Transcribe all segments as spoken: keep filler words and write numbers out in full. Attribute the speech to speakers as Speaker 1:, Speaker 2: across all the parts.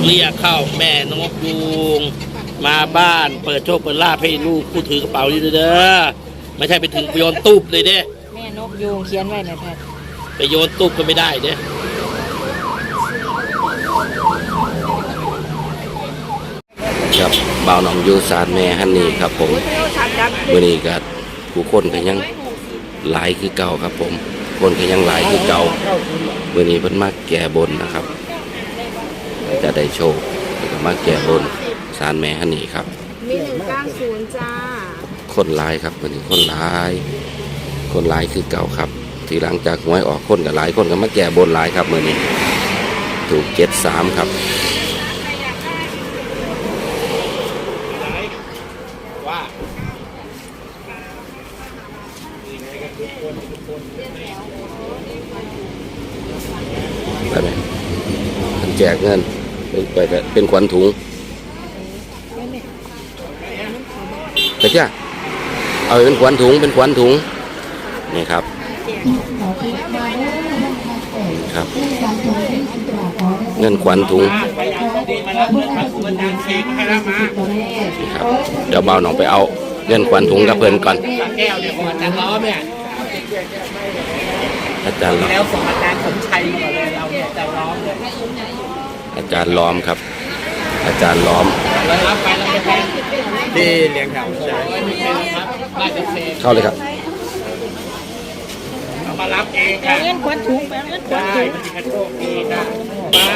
Speaker 1: เรียกเข้าแม่นกยูงมาบ้านเปิดโชคเปิดลาภให้ลูกผู้ถือกระเป๋านี่เด้อไม่ใช่ไปถึงโยนตุ๊บเลยเด้
Speaker 2: แม่นกยูงเขียนไว้หน่อยแพทย์
Speaker 1: ไปโยนตุ๊บก็ไม่ได้เด้ครับบ่าวหนองยูสารแม่ฮันนี่ครับผมเมื่อนี้ก็ผู้คนก็ยังหลายคือเก่าครับผมคนก็ยังหลายคือเก่าเมื่อนี้เพิ่นมาแก่บนนะครับจะได้โชคแล้วก็มาแก่บนสารแม่ฮันนี่ครับ
Speaker 3: มีหนึ่งเก้าศูนย์จ้า
Speaker 1: คนหลายครับเมื่อนี้คนหลายคนหลายคือเก่าครับที่หลังจากหวยออกคนก็หลายคนก็มาแก่บนหลายครับเมื่อนี้ถูกเจ็ดสามครับไปไหมแจกเงินไปเป็นขวัญถุงไปจ้าเอาเป็นขวัญถุงเป็นขวัญถุงนี่ครับครับเงินขวัญถุงครับเดี๋ยวเบาหน่องไปเอาเงินขวัญถุงกับเพื่อนก่อนแก้วเนี่ยของอาจารย์ล้อมเนี่ยอาจารย์ล้อมแล้วของอาจารย์สมชัยก่อนเลยเราเนี่ยอาจารย์ล้อมเลยอาจารย์ล้อมครับอาจารย์ล้อมที่เลี้ยงแถวเข้าเลยครับเอามารับเองค่ะ
Speaker 2: เงินขวัญถุงเงินขวัญถุง
Speaker 1: มันจะโชคดีนะมา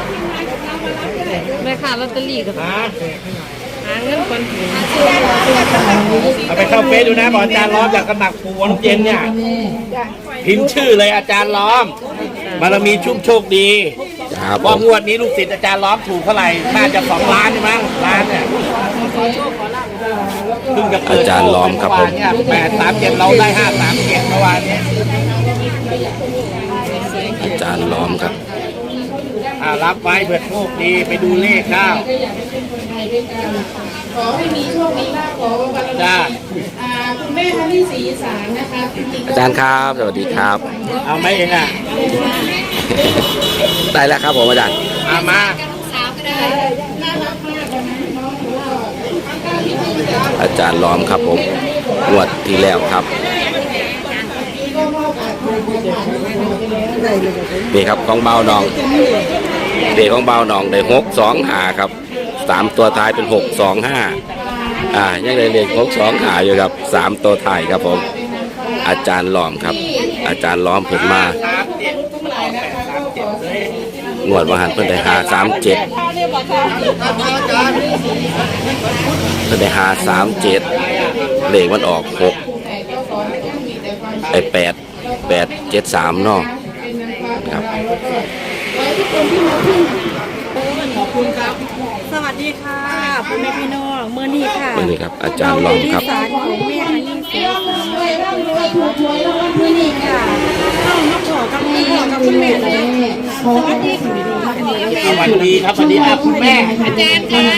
Speaker 2: แม่ค้าลอตเตอรี่กับหาเงินขวัญถุง
Speaker 1: เอาไปเข้าเฟซดูนะบอกอาจารย์ล้อมจากกระหนักปูน้ำเย็นเนี่ยพิมพ์ชื่อเลยอาจารย์ล้อมบารมีชุ่มโชคดีว่างวดนี้ลูกศิษย์อาจารย์ล้อมถูกเท่าไหร่น่าจะสองล้านใช่ไหมล้านเนี่ยอาจารย์ล้อมครับผมแปดสามเจ็ดเราได้ห้าสามเจ็ดเมื่อวานนี้อาจารย์ล้อมครับรับไว้เผื่อโชคดีไปดูเลขข้าว
Speaker 3: ขอให้มีโชคดีมากขอบารมีคุณแม่ท่านที่สีสารนะคะ
Speaker 1: อาจารย์ครับสวัสดีครับเอาไหมเองอ่ะได้แล้วครับผมอาจารย์เอามาอาจารย์ล้อมครับผมงวดที่แล้วครับนี่ครับของเบาหนองเด็กของเบาหนองได้หกสองหาครับสามตัวท้ายเป็นหกสองห้าอ่ายังได้เลขหกสองหาอยู่ครับสามตัวท้ายครับผมอาจารย์ล้อมครับอาจารย์ล้อมเพิ่นมางวดวันหันเพิ่นได้หาสามเจ็ดเพิ่นได้หาสามเจ็ดเลขมันออกหกไอแปดแปดเจ็ดสามเนาะครับ
Speaker 2: สวัสดีค่ะพ่อแม่พี่น้องเมื่อนี้ค่ะ
Speaker 1: เมื่อนี้ครับอาจารย์ล้อมครับ
Speaker 2: สารของแม่ฮันนี่เสียสารเมื่อนี้ค่ะเข้ามาขอกับพี่กับคุณแม่เลยสวัสดีค่ะ
Speaker 1: สวัสดีครับสวัสดีครับคุณแม่
Speaker 2: อาจารย์ค่ะ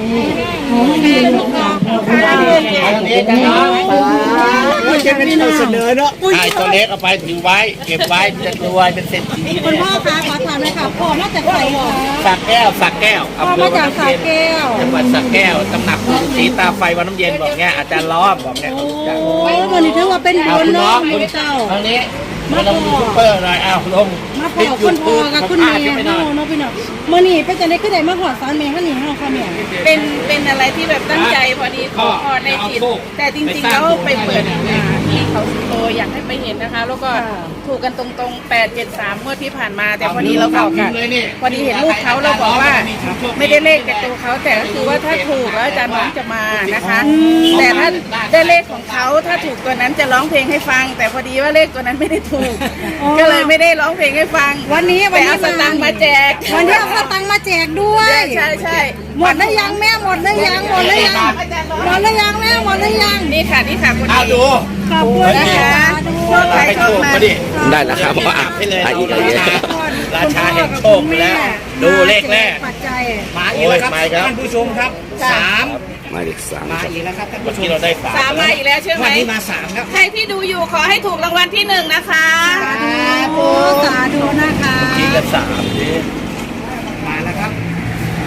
Speaker 1: ไม่ใช่เป็นตัวเสนอเนาะไอ้ตัวเล็กเอาไปถือไว้เก็บไว้จะรวยเป็นเศรษฐี
Speaker 2: คุณพ่อคะขอถามเลยค่ะพ่อมาจากไหนหรอ
Speaker 1: สักแก้วสักแก้ว
Speaker 2: พ่อมาจากสักแก้ว
Speaker 1: จังหวัดสักแก้วตำหนักสีตาไฟวันน้ำเย็นบอกเนี้ยอาจารย์ล้อมบอกเนี้ย
Speaker 2: โอ้ยวันนี้ถือว่าเป็นบุญเนาะคุณเจ้า
Speaker 1: ตอนนี้มาลงยูทูบเบอร์หน่อยอ้าวลง
Speaker 2: มาพอคุณพ่อกับคุณแม่เนาะเนาะพี่น้องเมื่อนี้เป็นจะได้ขึ้นได้มาหอดสารแม่ฮันนี่เฮาค่ะแม่
Speaker 3: เป็นเป็นอะไรที่แบบตั้งใจพอดีขอในจิตแต่จริงๆแล้วไปเปิดที่เขาสุโตอยากให้ไปเห็นนะคะแล้วก็ถูกกันตรงๆแปดเจ็ดสามเมื่อที่ผ่านมาแต่พอดีเราบอกกันพอดีเห็นรูปเขาเราบอกว่าไม่ได้เลขแต่ตัวเขาแต่ก็คือว่าถ้าถูกแล้วอาจารย์น้องจะมานะคะแต่ถ้าได้เลขของเขาถ้าถูกตัวนั้นจะร้องเพลงให้ฟังแต่พอดีว่าเลขตัวนั้นไม่ได้ถูกก็เลยไม่ได้ร้องเพลงให้ฟัง
Speaker 2: วันนี้
Speaker 3: วันนี้เอาสตังค์มาแจก
Speaker 2: วันนี้เอาสตังค์มาแจกด้วย
Speaker 3: ใช่ใช่
Speaker 2: หมดแล้วยังแม่หมดแล้วยังหมดแล้วยังหมดแล้วยังแม่หมดแล้วยัง
Speaker 3: นี่ค่ะนี่ค่ะคุณ
Speaker 1: เอาดู
Speaker 2: ขอบคุณนะคะ
Speaker 3: โชคใครโชคมา
Speaker 1: ได้แล้วครับอ่ะให้เลยอีกอะไรราชาแห่งโชคไปแล้วดูเลขแรกมาอีกแล้วครับท่านผู้ชมครับสามมาอีกสามมาอีกแล้วครับท่านผู้ชมเราได้สาม
Speaker 3: สามมาอีกแล้วใช่ไหม
Speaker 1: วันนี้มาสามครับ
Speaker 3: ใครที่ดูอยู่ขอให้ถูกรางวัลที่หนึ่งนะคะ
Speaker 2: สาธุสาธุนะคะ
Speaker 1: ที่กันสามมาแล้วครับ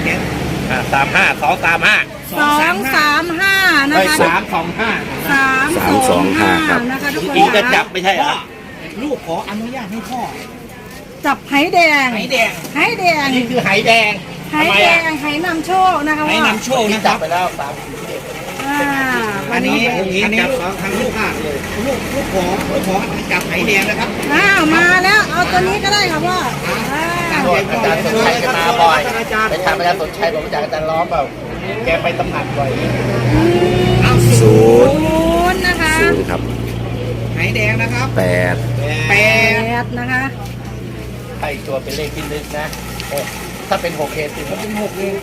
Speaker 4: อ่าสามห้าสองสามห้า
Speaker 2: สองสามห้านะ
Speaker 4: เฮ้ย
Speaker 2: คะ
Speaker 4: สามสองห้า
Speaker 2: สาม
Speaker 1: สามสองห้าครับ
Speaker 2: นะคะทุกคน
Speaker 4: อีกจะจับไม่ใช่เหรอ
Speaker 5: ลูกขออนุญาตให้พ่อ
Speaker 2: จับไหแดง
Speaker 5: ไหแดง
Speaker 2: ไหแดง
Speaker 4: อันนี้คือไหแดง
Speaker 2: ไหแดงไหนำโชคนะคะ
Speaker 5: ให้
Speaker 2: ว่าน
Speaker 5: ำโชค
Speaker 4: ที่
Speaker 5: นะค
Speaker 4: จั
Speaker 5: รั
Speaker 4: บบ ไปแล้วสาม
Speaker 2: อ่า
Speaker 5: อันนี้อันนี้ทางลูกค้าเลยลูกลูกขอลูกขอจับไหแดงนะครับ
Speaker 2: อ้าวมาแล้วเอาตัวนี้ก็ได้ค่ะพ่ออ่า
Speaker 4: โดนอาจารย์สนชัยจะมาบ่อยไปทำอาจารย์สนชัยบอกว่าอาจารย์ล้อมเปล่าแกไปตำหนักบ่อย
Speaker 1: ศูนย์
Speaker 2: ศูนย์นะคะ
Speaker 1: ศูนย์ครับ
Speaker 5: ไหแดงนะครับ
Speaker 1: แปด
Speaker 5: แป
Speaker 2: แป
Speaker 5: ด
Speaker 2: ดนะคะ
Speaker 4: ให้ตัวเป็นเลขที่ลึกนะหกถ้าเป็นหกเคสสิบเป็นหกเอง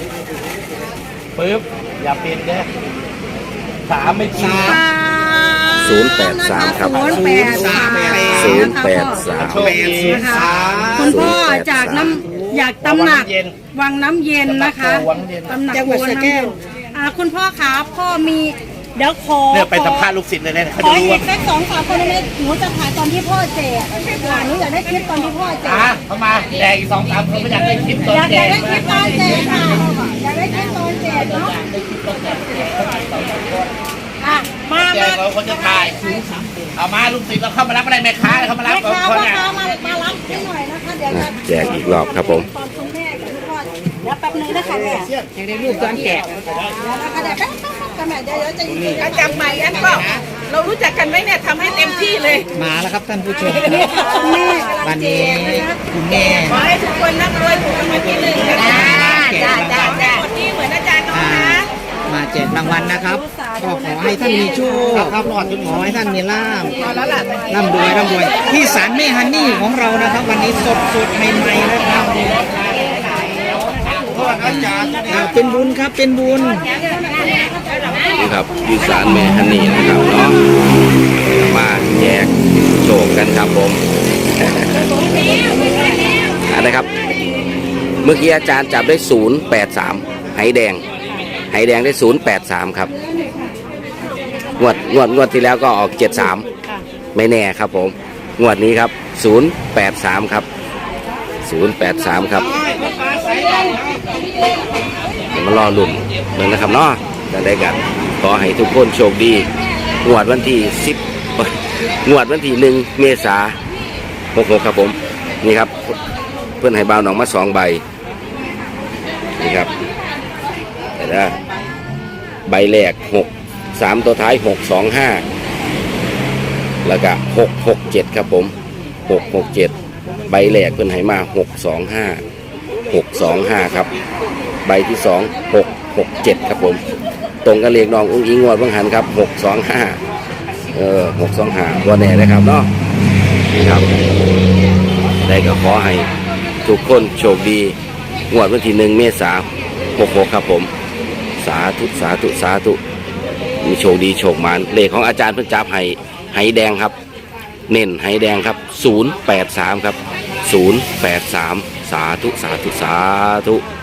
Speaker 4: ปึ๊บอย่าเป็นเด้อสามไม่จริง
Speaker 2: สาม
Speaker 1: ศูนย์แปดสามครับ
Speaker 2: ศูนย์แปดสาม
Speaker 1: ศูนย์แปดสาม
Speaker 4: โชคดี
Speaker 2: นะคะคุณพ่อจากน้ำอยากตำหนักวังน้ำเย็นนะคะตำหนัก
Speaker 5: จังหวัดสระแก้ว
Speaker 2: อ่าคุณพ่อคะพ่อมีเดี๋ยวขอ
Speaker 4: เนี่ยไปสัมภาษณ์ลูกศิษย์เลยนะเขา
Speaker 2: ขอ
Speaker 4: จะรู้
Speaker 2: อี
Speaker 4: ว่าก
Speaker 2: สักสองสามคนเลยหนูจะถ่ายตอนที่พ่อแจกอ่าหนูอยากได้คลิปตอนที่พ่อแจก
Speaker 4: อ่ะเข้ามาแดงอีกสองสามคนไม่อยากได้คลิปตอน
Speaker 2: อยาก
Speaker 4: แด
Speaker 2: อยาก
Speaker 4: ง
Speaker 2: ได้คลิปตอนแจกค่ะอยากได้คลิปตอนแจกเนาะอ่ะมา
Speaker 4: แด
Speaker 2: มาง
Speaker 4: เราคนจะถ่ายเอามาลูกศิษย์เราเข้ามารับอะไรแม่ค้าเข้ามารับ
Speaker 2: แม่ค้า
Speaker 4: คน
Speaker 2: พ่อ
Speaker 4: เนี่ย
Speaker 2: ค้ามามารับให้หน่อยนะคะเดี๋ยวจะ
Speaker 1: แจกอีกรอบครับผม
Speaker 2: ตอนคุณแม่กับคุณพ่อเดี๋ยวแป๊บนึงนะคะแม่
Speaker 5: อยากได้ลูกตอนแกะ
Speaker 2: เดี๋ยวนะคะเดี๋ยวแป๊บแป๊บแป๊บเดี๋ยวเดี๋ยวจะยิง
Speaker 3: อาจับใหม่อันก็เรารู้จักกันไหมเนี่ยทำให้เต็มที่เลย
Speaker 5: มาแล้วครับท่านผู้ชม
Speaker 2: นี่ค่ะคุณแม่
Speaker 5: วันนี้คุณแม่
Speaker 3: ขอให้ทุกคนร่ำรวยถูกรางวัลที่หนึ่งนะคะจ้าจ้าจ้าคนที่เหมือนอาจารย์น้องนะ
Speaker 5: มาแจกรางวัลนะครับก็ขอให้ท่านมีโชคครับขอให้ท่านมีลาภร่ำรวยร่ำรวยที่ศาลแม่ฮันนี่ของเรานะครับ วันนี้สดสดๆใหม่ๆนะครับอ่าเป็นบุญครับเป็นบุญ
Speaker 1: นี่ครับอยูสารแม่ฮันนี่นะครับเนาะมาแจกโชคกันครับผม อันนะครับ เมื่อกี้อาจารย์จับได้ศูนย์แปดสามไหแดงไหแดงได้ศูนย์แปดสามครับงวดงวดงวดที่แล้วก็ออกเจ็ดสามไม่แน่ครับผมงวดนี้ครับศูนย์แปดสามครับศูนย์แปดสามครับเดี๋ยวมารอลุ่นเหมือนนะครับเนาะจะได้กันขอให้ทุกคนโชคดีงวดวันที่สิบงวดวันที่หนึ่งเมษาหกหกครับผมนี่ครับเพื่อนให้บ่าวหนองมาสองใบนี่ครับแต่ละใบแรกหกสามตัวท้ายหกสองห้าแล้วก็หกหกเจ็ดครับผมหกหกเจ็ดใบแรกเพื่อนให้มาหกสองห้าหกสองห้าครับใบที่สองหกหกเจ็ดครับผมตรงกันเลขน้องอุ้งอิงงวดบังหันครับหกสองห้าเออหกสองห้าวันแน่นะครับเนาะนี่ครับได้ก็ขอให้ทุกคนโชคดีงวดวันที่หนึ่งเมษาหกหกครับผมสาธุสาธุสาธุมีโชคดีโชคหมานเลขของอาจารย์เพิ่งจับให้ไหแดงครับเน้นไหแดงครับศูนย์แปดสามครับศูนย์แปดสามสาธุสาธุสาธุ